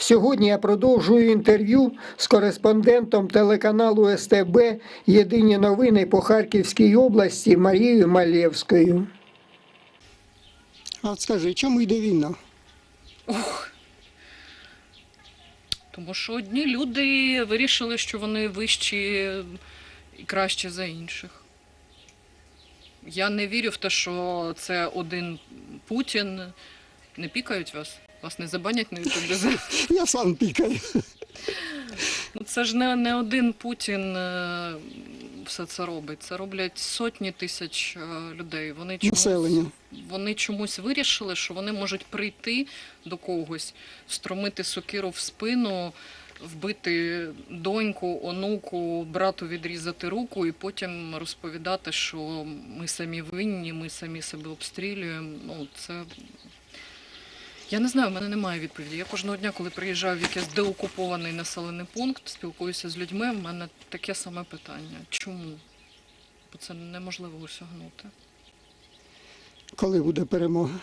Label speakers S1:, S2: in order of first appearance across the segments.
S1: Сьогодні я продовжую інтерв'ю з кореспондентом телеканалу СТБ «Єдині новини» по Харківській області Марією Малєвською. А от скажи, чому йде війна?
S2: Тому що одні люди вирішили, що вони вищі і кращі за інших. Я не вірю в те, що це один Путін. Не пікають вас? Вас не забанять на ютубі?
S1: Я сам пікаю.
S2: Це ж не один Путін все це робить. Це роблять сотні тисяч людей. Вони чомусь вирішили, що вони можуть прийти до когось, встромити сокиру в спину, вбити доньку, онуку, брату відрізати руку і потім розповідати, що ми самі винні, ми самі себе обстрілюємо. Це... Я не знаю, в мене немає відповіді. Я кожного дня, коли приїжджаю в якийсь деокупований населений пункт, спілкуюся з людьми, в мене таке саме питання. Чому? Бо це неможливо осягнути.
S1: Коли буде перемога?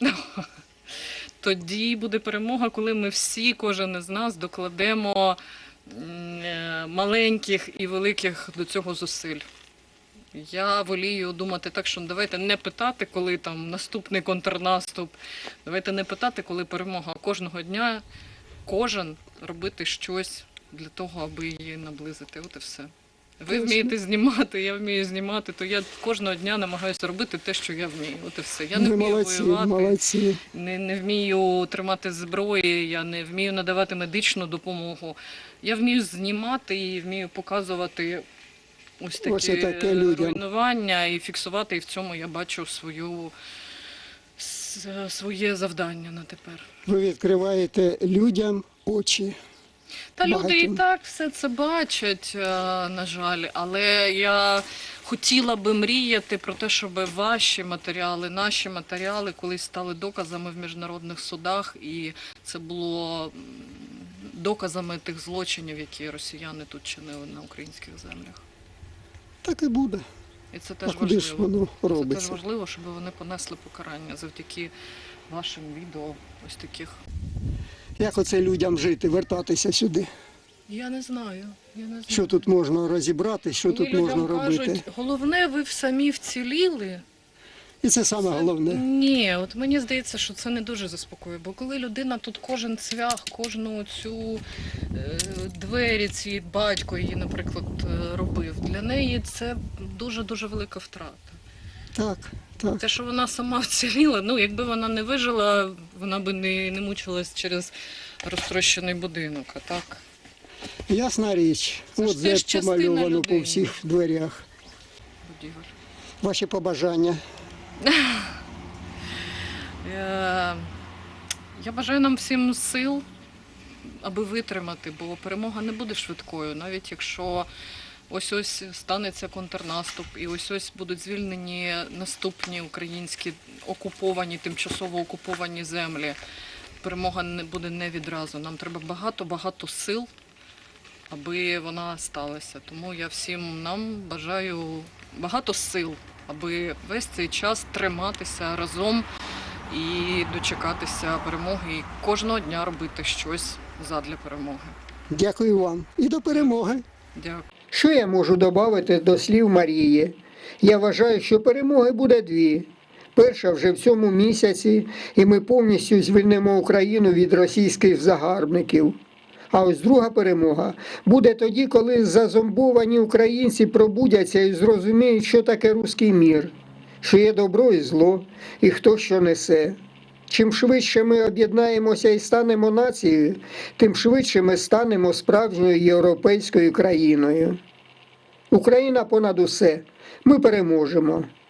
S2: Тоді буде перемога, коли ми всі, кожен із нас, докладемо маленьких і великих до цього зусиль. Я волію думати так, що давайте не питати, коли там наступний контрнаступ, давайте не питати, коли перемога, а кожного дня кожен робити щось для того, аби її наблизити. От і все. Ви вмієте знімати, я вмію знімати, то я кожного дня намагаюся робити те, що я вмію. От і все. Я не вмію воювати, не вмію тримати зброї, я не вмію надавати медичну допомогу. Я вмію знімати і вмію показувати ось такі руйнування і фіксувати, і в цьому я бачу своє завдання на тепер.
S1: Ви відкриваєте людям очі.
S2: Та люди і так все це бачать, на жаль, але я хотіла би мріяти про те, щоб ваші матеріали, наші матеріали колись стали доказами в міжнародних судах, і це було доказами тих злочинів, які росіяни тут чинили на українських землях.
S1: Так і буде.
S2: І це теж
S1: куди ж воно робиться?
S2: Це теж важливо, щоб вони понесли покарання завдяки вашим відео ось таких.
S1: Як оце людям жити, вертатися сюди?
S2: Я не знаю.
S1: Що тут можна розібрати, що тут можна робити?
S2: Кажуть, головне, ви самі вціліли.
S1: І це саме головне.
S2: Ні, от мені здається, що це не дуже заспокоює. Бо коли людина тут кожен цвях, кожну цю двері, ці батько її, наприклад, робив, для неї це дуже-дуже велика втрата.
S1: Так, так.
S2: Те, що вона сама вціліла, якби вона не вижила, вона би не мучилась через розтрощений будинок, а так.
S1: Ясна річ. От зет помальовано по всіх дверях.
S2: Будівель.
S1: Ваші побажання?
S2: Я бажаю нам всім сил, аби витримати, бо перемога не буде швидкою, навіть якщо ось-ось станеться контрнаступ і ось-ось будуть звільнені наступні українські окуповані, тимчасово окуповані землі. Перемога не буде не відразу. Нам треба багато-багато сил, аби вона сталася. Тому я всім нам бажаю багато сил, аби весь цей час триматися разом і дочекатися перемоги, і кожного дня робити щось задля перемоги.
S1: Дякую вам. І до перемоги.
S2: Дякую.
S1: Що я можу додати до слів Марії? Я вважаю, що перемоги буде дві. Перша вже в цьому місяці, і ми повністю звільнимо Україну від російських загарбників. А ось друга перемога буде тоді, коли зазомбовані українці пробудяться і зрозуміють, що таке руський мір, що є добро і зло, і хто що несе. Чим швидше ми об'єднаємося і станемо нацією, тим швидше ми станемо справжньою європейською країною. Україна понад усе. Ми переможемо.